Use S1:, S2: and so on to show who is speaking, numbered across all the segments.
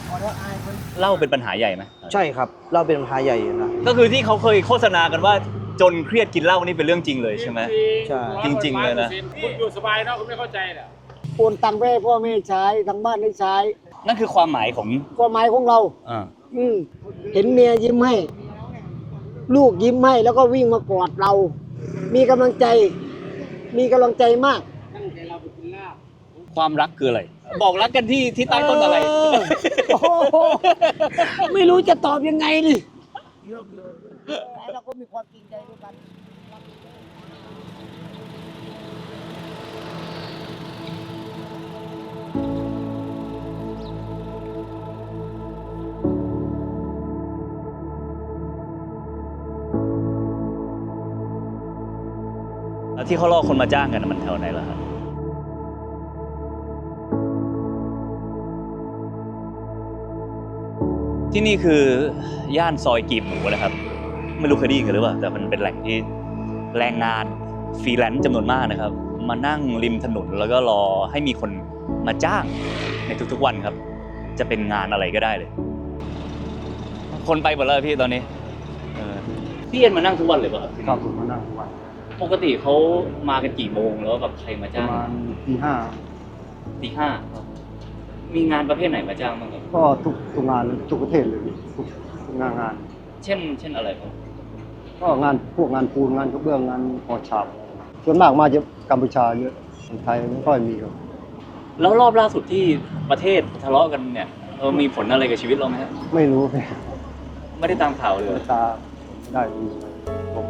S1: เหล้าเป็นปัญหาใหญ่ไหม
S2: ใช่ครับเหล้าเป็นปัญหาใหญ่อยู่นะ
S1: ก็คือที่เขาเคยโฆษณากันว่าจนเครียดกินเหล้านี่เป็นเรื่องจริงเลยใช่ไหม
S2: ใช่
S1: จริงๆเลยนะ
S3: คุณอยู่สบายเนาะคุณไม่เข้าใจเหรอ
S4: โอนตังค์ไปให้พ่อแม่ใช้ทางบ้านได้ใช้
S1: นั่นคือความหมายของ
S4: ความหมายของเราเห็นเมียยิ้มให้ลูกยิ้มให้แล้วก็วิ่งมากอดเรามีกำลังใจมาก
S1: ความรักคืออะไรบอกรักกันที่ใต้ต้นอะไร
S4: โอ้โหไม่รู้จะตอบยังไงดิแต่เราก็มีความจริงใจด้วยกัน
S1: แล้วที่เขาล่อคนมาจ้างกันมันแถวไหนล่ะครับที่นี่คือย่านซอยกีบหมูนะครับไม่รู้เคยได้ยินกันหรือเปล่าแต่มันเป็นแหล่งที่แรงงานฟรีแลนซ์จำนวนมากนะครับมานั่งริมถนนแล้วก็รอให้มีคนมาจ้างในทุกๆวันครับจะเป็นงานอะไรก็ได้เลยคนไปหมดแล้วพี่ตอนนี้พี่เอ็นมานั่งทุกวันเลยป่ะครับ
S2: ครับผมมานั่งทุกวัน
S1: ปกติเขามากันกี่โมงแล้วแบบใครมาจ้าง
S2: ประมาณตีห้า
S1: มีงานประเภทไหนมาจ้างบ้างครับ
S2: ก็ทุกงานทุกประเทศเลยทุกงาน
S1: เช่นอะไรครับ
S2: ก็พวกงานปูนงานกระเบื้องงานก่อฉาบส่วนมากมาจากกัมพูชาเยอะคนไทยไม่ค่อยมีครับ
S1: แล้วรอบล่าสุดที่ประเทศทะเลาะกันเนี่ยมีผลอะไรกับชีวิตเราไหมครับ
S2: ไม่รู้
S1: ไม่ได้ตามข่าวเลย
S2: ตาได้ผม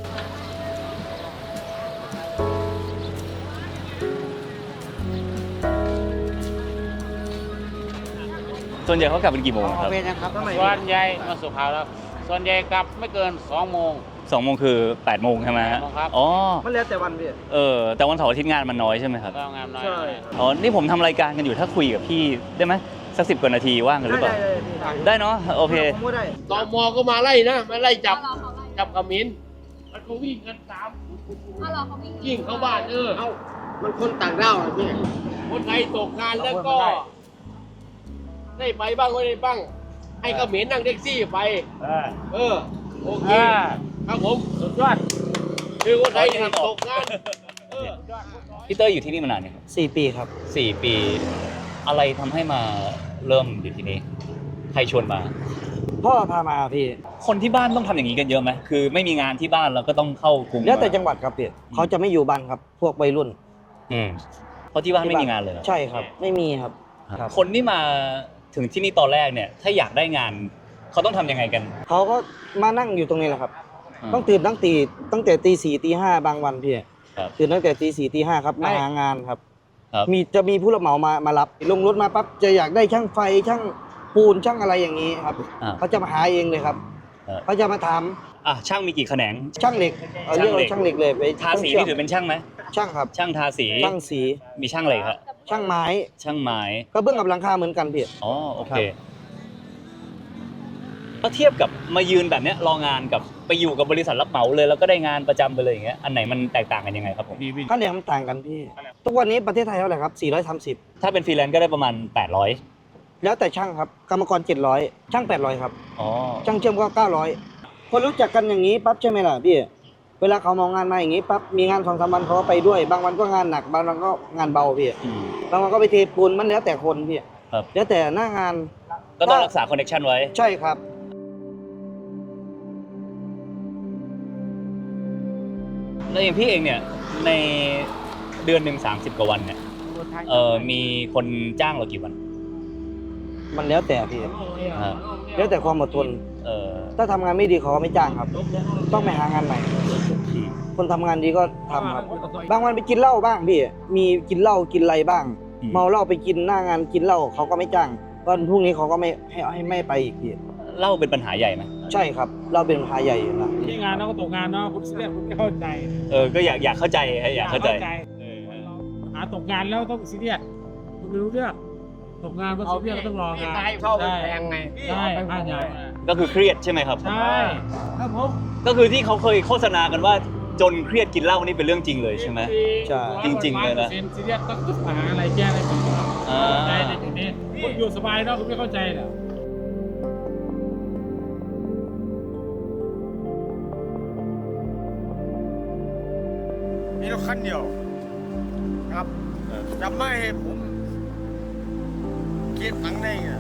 S1: ส่วนใหญ่เขากลับเป็นกี่โมงครับ
S3: ส่วนใหญ่มาสุขาวแล้วส่วนใหญ่กลับไม่เกิน2 โมง
S1: 2 โมงคือ8 โมงใช่ไหมฮะอ๋อ
S2: มันแล้วแต่วันพี่
S1: แต่วันเสาร์อาทิตย์งานมันน้อยใช่ไหมครับ
S3: งานน้อย
S1: อ๋อนี่ผมทำรายการกันอยู่ถ้าคุยกับพี่ได้ไหมสัก10 กว่านาทีว่างกันหรือเปล่าได้เนาะโอเค
S3: ตม.ก็มาไล่นะมาไล่จับขมิ้นมันก็วิ่งกันตามยิ่งเข้าบ้าน
S4: มันคนต่างด้าวอ่ะพี่
S3: คนไทยตกงานแล้วก็ได้ไปบ้างไม่ได้บ้างให้เขมรนั่งแท็กซี่ไปโอเคครับผมสุดยอดคือคนไทยตกงาน
S1: พี่เต้ยอยู่ที่นี่มานานเนี่ยครับ
S2: 4 ปีครับ
S1: 4 ปีอะไรทำให้มาเริ่มอยู่ที่นี่ใครชวนมา
S2: พ่อพามาพี่
S1: คนที่บ้านต้องทำอย่างนี้กันเยอะไหมคือไม่มีงานที่บ้านเราก็ต้องเข้ากรุง
S2: แล้วแต่จังหวัดครับพี่เขาจะไม่อยู่บ้านครับพวกวัยรุ่น
S1: เพราะที่บ้านไม่มีงานเลย
S2: ใช่ครับไม่มีครับ
S1: คนที่มาถึงที่นี่ตอนแรกเนี่ยถ้าอยากได้งานเขาต้องทำยังไงกัน
S2: เขาก็มานั่งอยู่ตรงนี้แหละครับต้องตื่นตั้งแต่ตี 4 ตี 5บางวันพี่ตื่นตั้งแต่ตี 4 ตี 5ครับมาหางานครับจะมีผู้รับเหมามารับลงรถมาปั๊บจะอยากได้ช่างไฟช่างปูนช่างอะไรอย่างนี้ครับเขาจะมาหาเองเลยครับเขาจะมาถาม
S1: ช่างมีกี่แขนง
S2: ช่างเหล็กเรียกว่าช่างเหล็กเลยไป
S1: ทาสีนี่ถือเป็นช่างไหม
S2: ช่างครับ
S1: ช่างทาสี
S2: ช่างสี
S1: มีช่างอะไรครับ
S2: ช่างไม้
S1: ก็
S2: เบื้องกับหลังคาเหมือนกันพี่
S1: อ๋อโอเคถ้าเทียบกับมายืนแบบนี้รองานกับไปอยู่กับบริษัทรับเหมาเลยแล้วก็ได้งานประจำไปเลยอย่างเงี้ยอันไหนมันแตกต่างกันยังไงครับผม
S2: ค่าแรงมันต่างกันพี่ทุกวันนี้ประเทศไทยเท่าไหร่ครับ430
S1: ถ้าเป็นฟรีแลนซ์ก็ได้ประมาณ800
S2: แล้วแต่ช่างครับกรรมกร700ช่าง800ครับ
S1: อ๋อ
S2: ช่างเชื่อมก็900คนรู้จักกันอย่างนี้ปั๊บใช่ไหมล่ะพี่เวลาเขามองงานมาอย่างนี้ปั๊บมีงาน2-3 วันเขาก็ไปด้วยบางวันก็งานหนักบางวันก็งานเบาพี่บางวันก็ไปเทปูนมันแล้วแต่คนพี่แล้วแต่หน้างาน
S1: ก็ต้องรักษาคอนเนคชั่นไว้
S2: ใช่ครับ
S1: แล้วอย่างพี่เองเนี่ยในเดือนหนึ่ง30 กว่าวันเนี่ยมีคนจ้างเรากี่วัน
S2: มันแล้วแต่พี่แล้วแต่ความอดทนถ้าทำงานไม่ดีเขาไม่จ้างครับต้องไปหางานใหม่คนทำงานดีก็ทำครับบางวันไปกินเหล้าบ้างพี่มีกินเหล้ากินอะไรบ้างเมาเหล้าไปกินหน้างานกินเหล้าเขาก็ไม่จ้างวันพรุ่งนี้เขาก็ไม่ไปอีกพี่
S1: เหล้าเป็นปัญหาใหญ่ไหม
S2: ใช่ครับเราเป็นปัญหาใหญ่อยู่นะ
S3: ที่งานเราก็ตกงานเนาะคุณเสียคุณไม่เข้าใจ
S1: ก็อยากเข้าใจอยากเข้าใจ
S3: หาตกงานแล้วต้องซีเรียสคุณไม่รู้เรื่องตกงานก็ซีเรียสก็ต้องรองาน
S4: เข้าแพงไง
S3: ใช่ใช่
S1: ก็คือเครียดใช่ไหมครับ
S3: ใช่ครับผม
S1: ก็คือที่เขาเคยโฆษณากันว่าจนเครียดกินเหล้านี่เป็นเรื่องจริงเลยใช่ไหม
S2: ใช่
S1: จริงๆเลยนะ
S3: ซีเรียสต้องหาอะไรแก้อะไรบ้าง
S5: ใจในจุดนี้คุณอยู่สบายเนาะคุณไม่เข้าใจเหรอ
S3: มีรถคันเดียวครับจะไม่ให้ผมคิดตังค์ได้ไง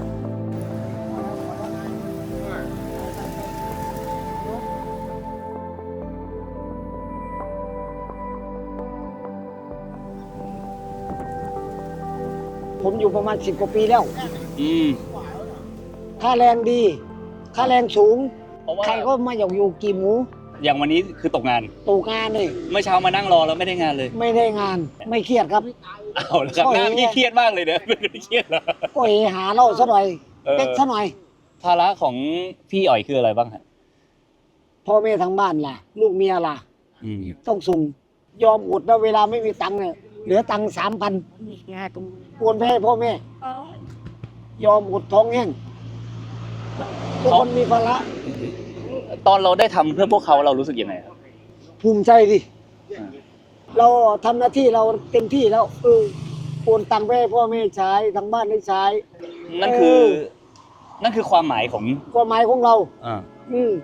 S4: ผมอยู่ประมาณ10 กว่าปีแล้ว
S1: อืม
S4: ค่าแรงดี ค่าแรงสูง
S1: เพราะว่า
S4: ใครก็มาอยากอยู่กี่หมู
S1: อย่างวันนี้คือตกงาน
S4: ตกงานเลย
S1: เมื่อเช้ามานั่งรอแล้วไม่ได้งานเลย
S4: ไม่ได้งาน ไม่เครียดครับ
S1: เอาละครับหน้าพี่เครียดมากเลยเนี่ยไม่ได้เครียดเหรอ
S4: ก็หาเหล้าซะหน่อย
S1: เออ
S4: เป๊กซะหน่อย
S1: ภาระของพี่อ๋อยคืออะไรบ้างฮะ
S4: พ่อแม่ทางบ้านล่ะ ลูกเมียล่ะ
S1: อืม
S4: ต้องส่งยอมอดนะเวลาไม่มีตังค์เนี่ยเหลือตังค์3,000โอนไปให้พ่อแม่ ยอมอดท้องแห้งทุกคนมีภาระ
S1: ตอนเราได้ทำเพื่อพวกเขาเรารู้สึกยังไงครับ
S4: ภูมิใจดิ
S1: อ่า
S4: เราทำหน้าที่เราเต็มที่แล้วโอนตังค์ไปให้พ่อแม่ใช้ทางบ้านได้ใช้
S1: นั่นคือนั่นคือความหมายของ
S4: ความหมายของเรา
S1: อ่า
S4: อืม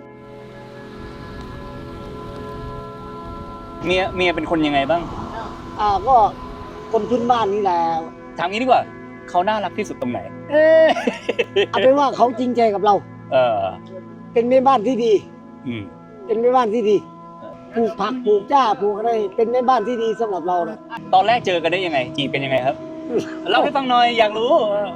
S1: เมียเป็นคนยังไงบ้าง
S4: ก็คนพื้นบ้านนี่แหละ
S1: ถามงี้ดีกว่าเขาน่ารักที่สุดตรงไหน
S4: เอาเป็นว่าเขาจริงใจกับเรา
S1: เออ
S4: เป็นแม่บ้านที่ดี
S1: อืม
S4: เป็นแม่บ้านที่ดีปลูกผักปลูกหญ้าปลูกอะไรเป็นแม่บ้านที่ดีสำหรับเรานะ
S1: ตอนแรกเจอกันได้ยังไงจีบเป็นยังไงครับเล่าให้ฟังหน่อยอยากรู้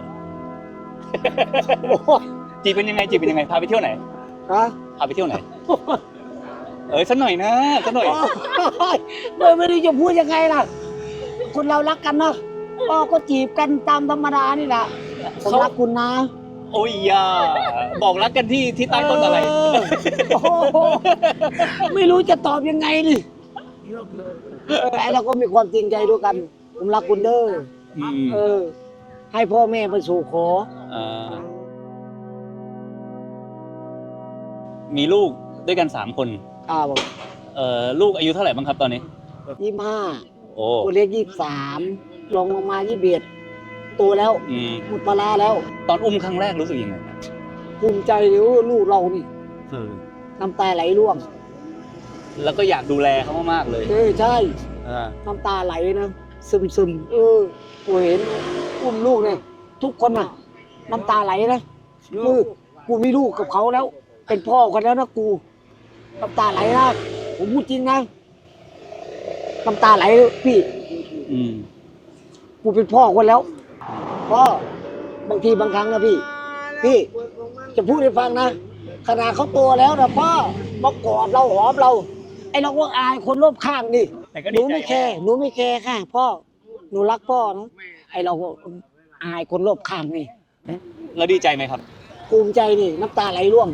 S4: โอ้ย
S1: จีบเป็นยังไงจีบเป็นยังไงพาไปเที่ยวไหน
S4: ฮะ
S1: พาไปเที่ยวไหน สักหน่อยนะสักหน่อย
S4: ไม่รู้จะพูดยังไงล่ะคนเรารักกันเนาะก็จีบกันตามธรรมดานี่แหละผมรักคุณนะ
S1: โอ้ยยาบอกรักกันที่ใต้ต้นอะไร
S4: โอ้โหไม่รู้จะตอบยังไงดิไอเราก็มีความจริงใจด้วยกัน ผมรักคุณเด้อ
S1: อืม
S4: ให้พ่อแม่ไปสู่ขอ
S1: อ่ามีลูกด้วยกัน3 คน
S4: บอก
S1: ลูกอายุเท่าไหร่บ้างครับตอนนี้
S4: 25
S1: โอ้
S4: ตัวเล็ก23ลงมา21โตแล้ว
S1: อืม
S4: หมดปลาร้าแล้ว
S1: ตอนอุ้มครั้งแรกรู้สึกยังไง
S4: ภูมิใจเลยว่าลูกเรานี่น้ำตาไหลร่วง
S1: แล้วก็อยากดูแลเขามากๆเลย
S4: ใช่
S1: อ่า
S4: น้ำตาไหลนะซึมกูเห็นอุ้มลูกเนี่ยทุกคนน่ะ น้ำตาไหลนะกูมีลูกกับเขาแล้ว เป็นพ่อกันแล้วนะกูน้ำตาไหลนะผมพูดจริงนะน้ำตาไหลพี่
S1: อืม
S4: กูเป็นพ่อคนแล้วพ่อบางทีบางครั้งนะพี่จะพูดให้ฟังนะขนาดเขาโตแล้วนะพ่อมากอดเราหอมเราไอเราก็อายคนรอบข้างดิ
S1: แต่ก็
S4: ห
S1: ดี
S4: นู
S1: ใจ
S4: ไม่แคร์หนูไม่แคร์ค่ะพ่อหนูรักพ่อนะไอเราก็อายคนรอบข้างนี่
S1: แล้วดีใจไหมครับ
S4: ภูมิใจนี่น้ำตาไหลร่วง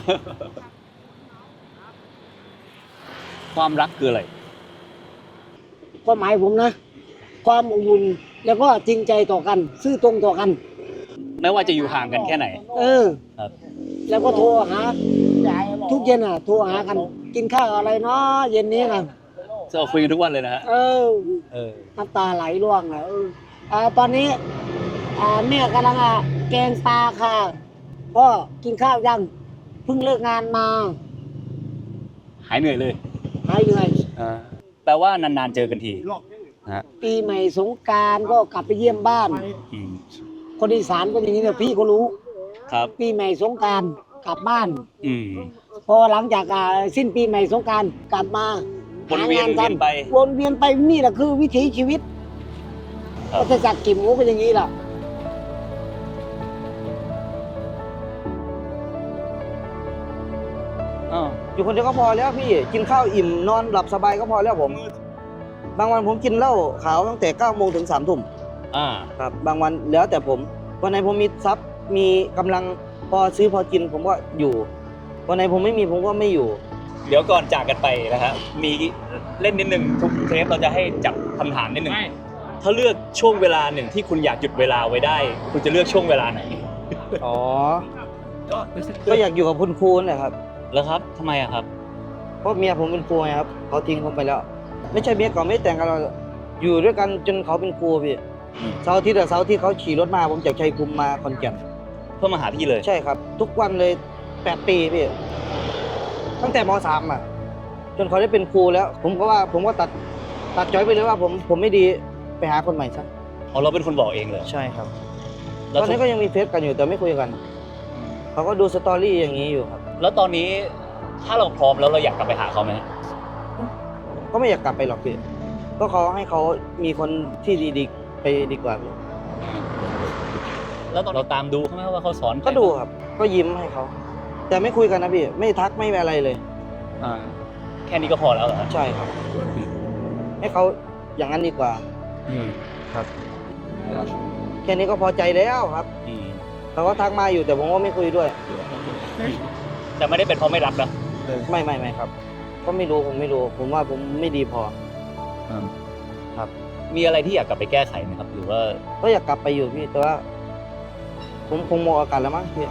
S1: ความรักคืออะไร
S4: ความหมายผมนะ ความอบอุ่นแล้วก็จริงใจต่อกัน ซื่อตรงต่อกัน
S1: ไม่ว่าจะอยู่ห่างกันแค่ไหน ครับ
S4: แล้วก็โทรหาทุกเย็นโทรหากัน กินข้าวอะไรเนาะเย็นนี้นะ
S1: เราคุยกันทุกวันเลยนะฮะ
S4: เออน้ำตาไหลร่วงตอนนี้แม่กำลังแกงปลาค่ะพ่อกินข้าวยังเพิ่งเลิกงานมา
S1: หายเหนื่อยเลย
S4: หายเหนื่อย
S1: แปลว่านานๆเจอกันทีฮะ
S4: ปีใหม่สงกรานต์ก็กลับไปเยี่ยมบ้าน
S1: อืม
S4: คนอีสานก็อย่างนี้เนี่ยพี่ก็รู้
S1: ครับ
S4: ปีใหม่สงกรานต์กลับบ้าน
S1: อืม
S4: พอหลังจากสิ้นปีใหม่สงกรานต์กลับมา
S1: วนเวียน
S4: หางานทำ
S1: ไป
S4: วนเวียนไปนี่แหละคือวิถีชีวิต
S1: ครับ
S4: ก็จะจัดกิมก็เป็นอย่างนี้แหละ
S2: อยู่คนเดียวก็พอแล้วพี่กินข้าวอิ่มนอนหลับสบายก็พอแล้วผม บางวันผมกินเหล้าขาวตั้งแต่9 โมงถึง3 ทุ่ม
S1: อ่า
S2: ครับบางวันแล้วแต่ผมวันไหนผมมีทรัพย์มีกำลังพอซื้อพอกินผมก็อยู่วันไหนผมไม่มีผมก็ไม่อยู่
S1: เดี๋ยวก่อนจากกันไปนะฮะมีเล่นนิดนึงทุกเทปเราจะให้จับคำถามนิดนึง ถ้าเลือกช่วงเวลาหนึ่งที่คุณอยากหยุดเวลาไว้ได้ คุณจะเลือกช่วงเวลาไหน
S2: อ๋อก็อยากอยู่กับคุณครูนี่แหละครับ
S1: แล้วครับทำไมอะครับ
S2: เพราะเมียผมเป็นครูไงครับเขาทิ้งผมไปแล้ว ไม่ใช่เมียเก่าไม่ได้แต่งกันเราอยู่ด้วยกันจนเขาเป็นครูพี่เสาร์อาทิตย์เขาขี่รถมาผมจากชัยภูมิมาขอนแก่น
S1: เพื่อมาหาพี่เลย
S2: ใช่ครับ ทุกวันเลย8 ปีพี่ตั้งแต่ม.3 อ่ะ จนเขาได้เป็นครูแล้ว ผมก็ตัดจอยไปเลยว่าผมไม่ดีไปหาคนใหม่ซะ
S1: อ๋อเราเป็นคนบอกเองเลย
S2: ใช่ครับ
S1: แล้ว
S2: ตอนนี้ก็ยังมีเฟซกันอยู่แต่ไม่คุยกัน เขาก็ดูสตอรี่อย่างนี้อยู่ครับ
S1: แล้วตอนนี้ถ้าเราพร้อมแล้วเราอยากกลับไปหาเขาไหม
S2: ก็ไม่อยากกลับไปหรอกพี่ก็เขาให้เขามีคนที่ดีๆไปดีกว่าพี่
S1: แล้วตอนเราตามดูเขาไหมว่าเขาสอน
S2: ก็ดูครับ ก็ยิ้มให้เขา แต่ไม่คุยกันนะพี่ ไม่ทักไม่อะไรเลย
S1: อ่าแค่นี้ก็พอแล้วเหรอฮะ
S2: ใช่ครับ ให้เขาอย่างนั้นดีกว่า ครับ แค่นี้ก็พอใจแล้วครับ
S1: อืม
S2: เขาก็ทักมาอยู่แต่ผมก็ไม่คุยด้วย
S1: แต่ไม่ได้เป็นเพราะไม่รักนะ
S2: ไม่ครับก็ไม่รู้ผมไม่รู้ ผมว่าผมไม่ดีพอ ครับ
S1: มีอะไรที่อยากกลับไปแก้ไขไหมครับ หรือว่า
S2: ก็อยากกลับไปอยู่พี่แต่ว่า ผมคงหมดโอกาสแล้วมั้งพี่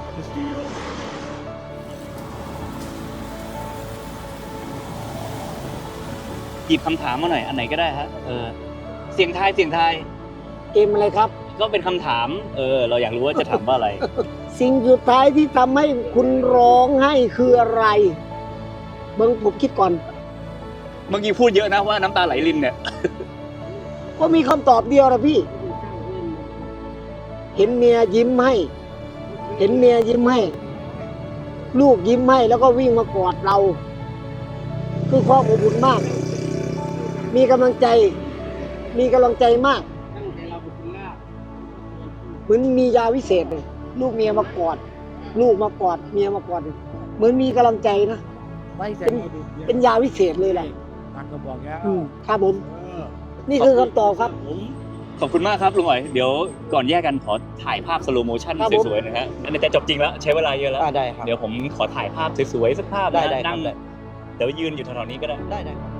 S1: หยิบคำถามมาหน่อยอันไหนก็ได้ฮะเสียงทาย
S4: เกมอะไรครับ
S1: ก็เป็นคำถาม เราอยากรู้ว่าจะถามว่าอะไร
S4: สิ่งสุดท้ายที่ทำให้คุณร้องไห้คืออะไร เบิ้งผมคิดก่อน
S1: เมื่อกี้พูดเยอะนะว่าน้ำตาไหลรินเนี่ย
S4: ก็มีคำตอบเดียวนะพี่ เห็นเมียยิ้มให้ เห็นเมียยิ้มให้ ลูกยิ้มให้แล้วก็วิ่งมากอดเรา คือความอบอุ่นมาก มีกำลังใจ มีกำลังใจมาก เหมือนมียาวิเศษเลยลูกเมียมากอด ลูกมากอด เมียมากอด เหมือนมีกำลังใจนะ เป็นยาวิเศษเลยแหละ
S5: ตักก็บอกแล้ว
S4: ครับผม นี่คือคำตอบครับ
S1: ขอบคุณมากครับลุงอ๋อย เดี๋ยวก่อนแยกกันขอถ่ายภาพสโลโมชั่น
S4: ครับผม
S1: สวยๆนะฮะอันนี้แต่จบจริงแล้วใช้เวลาเยอะแล้ว
S2: ได้ครับ
S1: เดี๋ยวผมขอถ่ายภาพสวยๆสักภาพ
S2: ได้
S1: นะ
S2: ได้ครับ
S1: นั่ง
S2: ได้
S1: เดี๋ยวยืนอยู่แถวๆนี้ก็ได้
S2: ได้ครับ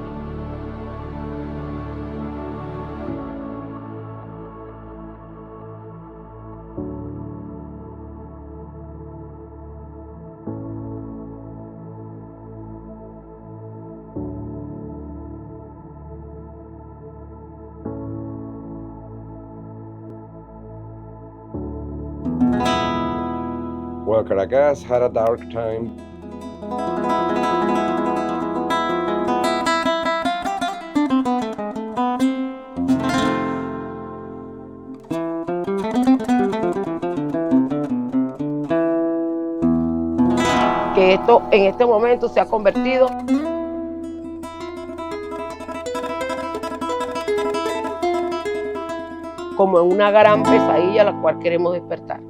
S6: Well, Caracas had a dark time.
S7: Que esto en este momento se ha convertido como en una gran pesadilla a la cual queremos despertar.